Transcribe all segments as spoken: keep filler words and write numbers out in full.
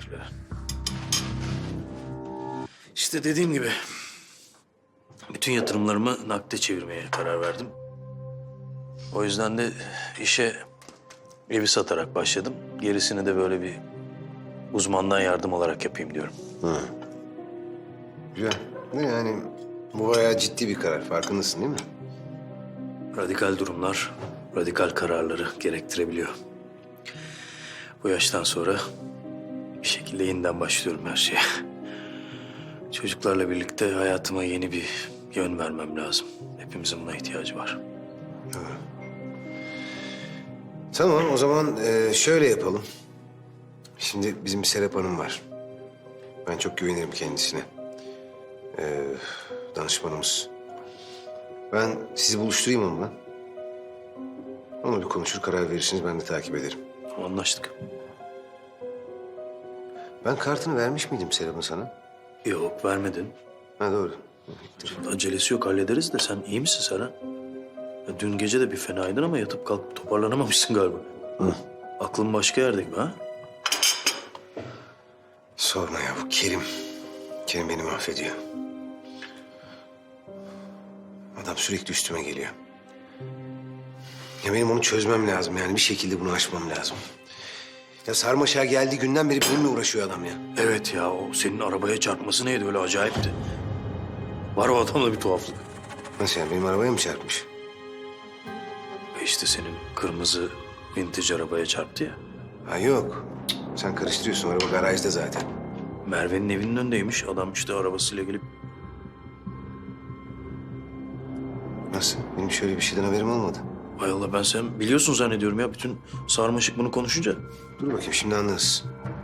Teşekkürler. İşte dediğim gibi bütün yatırımlarımı nakde çevirmeye karar verdim. O yüzden de işe evi satarak başladım. Gerisini de böyle bir uzmandan yardım olarak yapayım diyorum. Hı. Güzel. Ne yani bu bayağı ciddi bir karar. Farkındasın değil mi? Radikal durumlar, radikal kararları gerektirebiliyor. Bu yaştan sonra bir şekilde yeniden başlıyorum her şeye. Çocuklarla birlikte hayatıma yeni bir yön vermem lazım. Hepimizin buna ihtiyacı var. Tamam o zaman e, şöyle yapalım. Şimdi bizim bir Serap Hanım var. Ben çok güvenirim kendisine. E, danışmanımız. Ben sizi buluşturayım onunla. Onunla bir konuşur karar verirsiniz ben de takip ederim. Anlaştık. Ben kartını vermiş miydim Serap'ın sana? Yok, vermedin. Ha doğru. Acelesi yok, hallederiz de sen iyi misin Serhan? Ya dün gece de bir fenaydın ama yatıp kalkıp toparlanamamışsın galiba. Hı. Aklın başka yerde gibi ha? Sorma ya bu Kerim. Kerim beni mahvediyor. Adam sürekli üstüme geliyor. Ya benim onu çözmem lazım yani bir şekilde bunu aşmam lazım. Ya sarmaşağa geldiği günden beri benimle uğraşıyor adam ya. Evet ya, o senin arabaya çarpması neydi öyle acayipti. Var o adamda bir tuhaflık. Nasıl yani benim arabaya mı çarpmış? E işte senin kırmızı vintage arabaya çarptı ya. Ha yok. Cık, sen karıştırıyorsun araba garajda zaten. Merve'nin evinin önündeymiş. Adam işte arabasıyla gelip... Nasıl? Benim şöyle bir şeyden haberim olmadı. Hay Allah, ben sen biliyorsun zannediyorum ya. Bütün sarmaşık bunu konuşunca. Dur bakayım şimdi anlarız.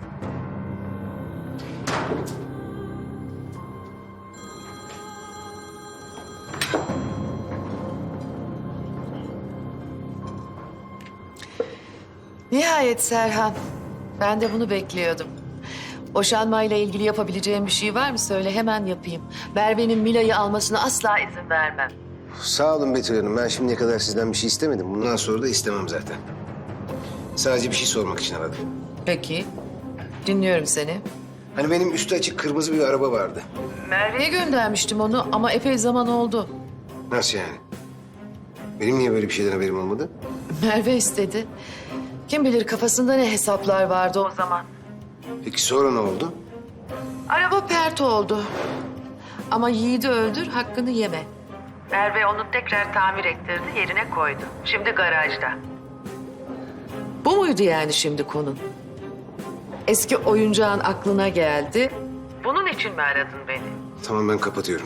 Nihayet Serhan. Ben de bunu bekliyordum. Boşanmayla ilgili yapabileceğim bir şey var mı söyle hemen yapayım. Merve'nin Mila'yı almasına asla izin vermem. Sağ olun Betül Hanım. Ben şimdiye kadar sizden bir şey istemedim. Bundan sonra da istemem zaten. Sadece bir şey sormak için aradım. Peki. Dinliyorum seni. Hani benim üstü açık kırmızı bir araba vardı. Merve'ye göndermiştim onu ama epey zaman oldu. Nasıl yani? Benim niye böyle bir şeyden haberim olmadı? Merve istedi. Kim bilir kafasında ne hesaplar vardı o zaman. Peki sonra ne oldu? Araba pert oldu. Ama Yiğit'i öldür, hakkını yeme. Merve onu tekrar tamir ettirdi, yerine koydu. Şimdi garajda. Bu muydu yani şimdi konun? Eski oyuncağın aklına geldi. Bunun için mi aradın beni? Tamam ben kapatıyorum.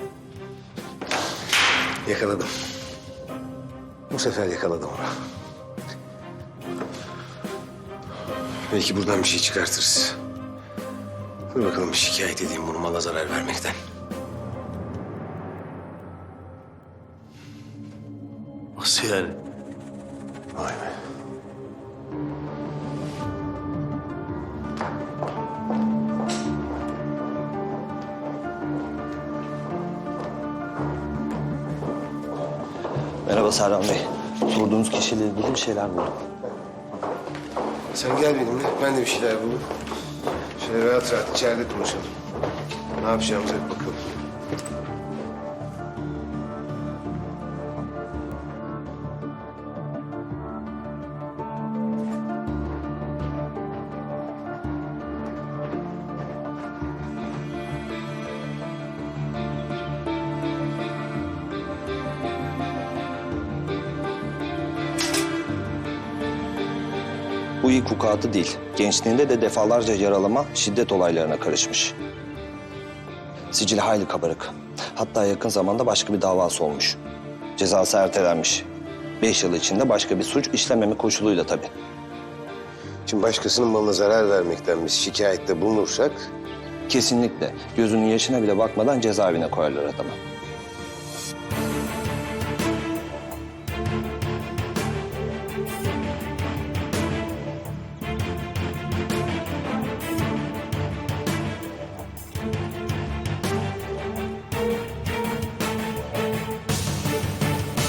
Yakaladım. Bu sefer yakaladım onu. Belki buradan bir şey çıkartırız. Dur bakalım bir şikayet edeyim bunu mala zarar vermekten. Nasıl yani? Vay be. Merhaba Serhan Bey. Sorduğunuz kişiyle ilgili bir şeyler buldum. Sen gel benimle. Ben de bir şeyler buldum. Şöyle rahat rahat içeride konuşalım. Ne yapacağımıza bir bakalım. Bu ilk vukuatı değil. Gençliğinde de defalarca yaralama, şiddet olaylarına karışmış. Sicili hayli kabarık. Hatta yakın zamanda başka bir davası olmuş. Cezası ertelenmiş. Beş yıl içinde başka bir suç işlememe koşuluyla tabii. Şimdi başkasının malına zarar vermekten biz şikayette bulunursak... Kesinlikle gözünün yaşına bile bakmadan cezaevine koyarlar adamı.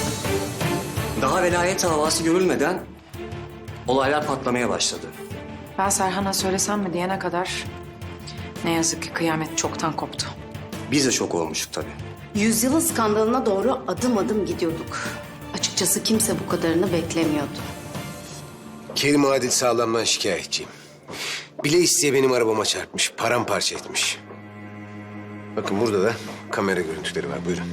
Daha velayet davası görülmeden olaylar patlamaya başladı. Ben Serhan'a söylesem mi diyene kadar ne yazık ki kıyamet çoktan koptu. Biz de şok olmuştuk tabii. Yüzyılın skandalına doğru adım adım gidiyorduk. Açıkçası kimse bu kadarını beklemiyordu. Kerim Adil Sağlam'dan şikayetçiyim. Bile isteye benim arabama çarpmış, paramparça etmiş. Bakın burada da kamera görüntüleri var, buyurun.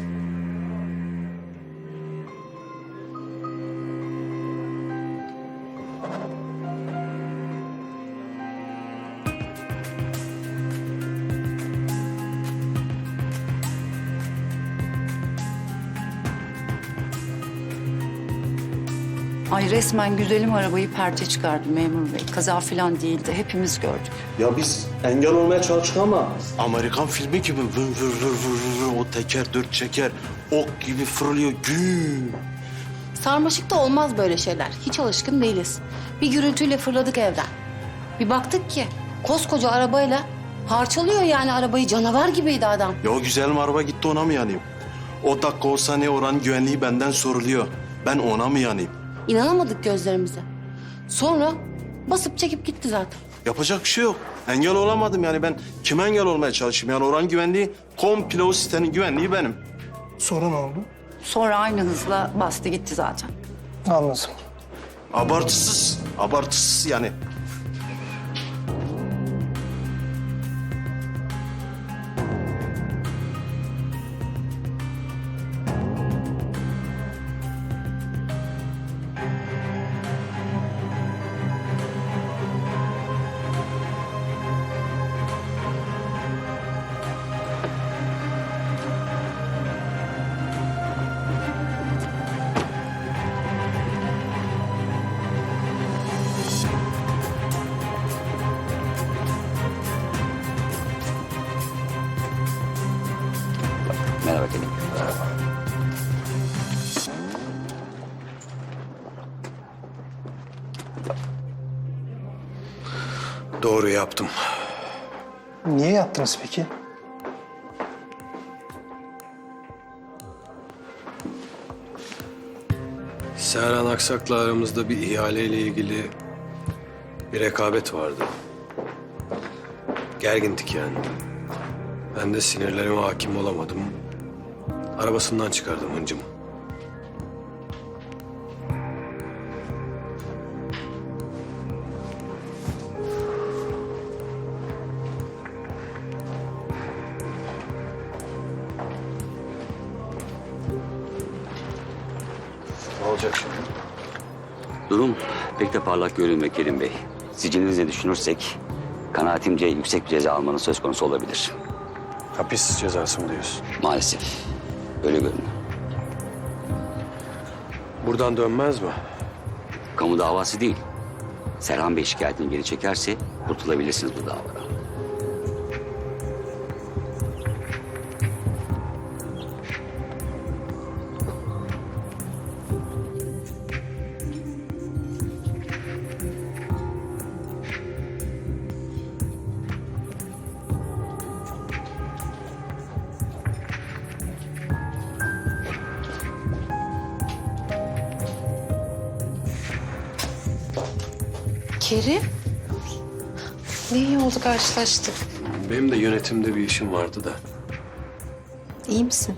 Ay resmen güzelim arabayı perte çıkardı memur bey. Kaza falan değildi. Hepimiz gördük. Ya biz engel olmaya çalıştık ama Amerikan filmi gibi vır vır vır vır vır o teker dört çeker ok gibi fırlıyor güm. Sarmaşıkta olmaz böyle şeyler. Hiç alışkın değiliz. Bir gürültüyle fırladık evden. Bir baktık ki koskoca arabayla parçalıyor yani arabayı, canavar gibiydi adam. Ya o güzelim araba gitti ona mı yanayım? O dakika o saniye oranın güvenliği benden soruluyor. Ben ona mı yanayım? İnanamadık gözlerimize. Sonra basıp çekip gitti zaten. Yapacak bir şey yok. Engel olamadım yani ben kime engel olmaya çalışayım? Yani oranın güvenliği komple o sitenin güvenliği benim. sonra ne oldu? Sonra aynı hızla bastı gitti zaten. Anladım. Abartısız, abartısız yani. Merhaba Kerim. Doğru yaptım. Niye yaptınız peki? Serhan Aksak'la aramızda bir ihaleyle ilgili bir rekabet vardı. Gergindik yani. Ben de sinirlerime hakim olamadım. Arabasından çıkardım hıncımı. Ne olacak şimdi? Durum pek de parlak görünmüyor Kerim Bey. Sicilinizi düşünürsek kanaatimce yüksek bir ceza almanız söz konusu olabilir. Hapis cezası mı diyorsun? Maalesef. Öyle görünüyor. Buradan dönmez mi? Kamu davası değil. Serhan Bey şikayetini geri çekerse kurtulabilirsiniz bu davadan. Kerim. Ne iyi oldu karşılaştık. Benim de yönetimde bir işim vardı da. İyi misin?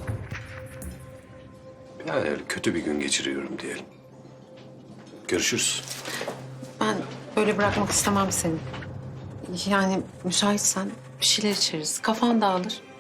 Yani öyle kötü bir gün geçiriyorum diyelim. Görüşürüz. Ben böyle bırakmak istemem seni. Yani müsaitsen bir şeyler içeriz. Kafan dağılır.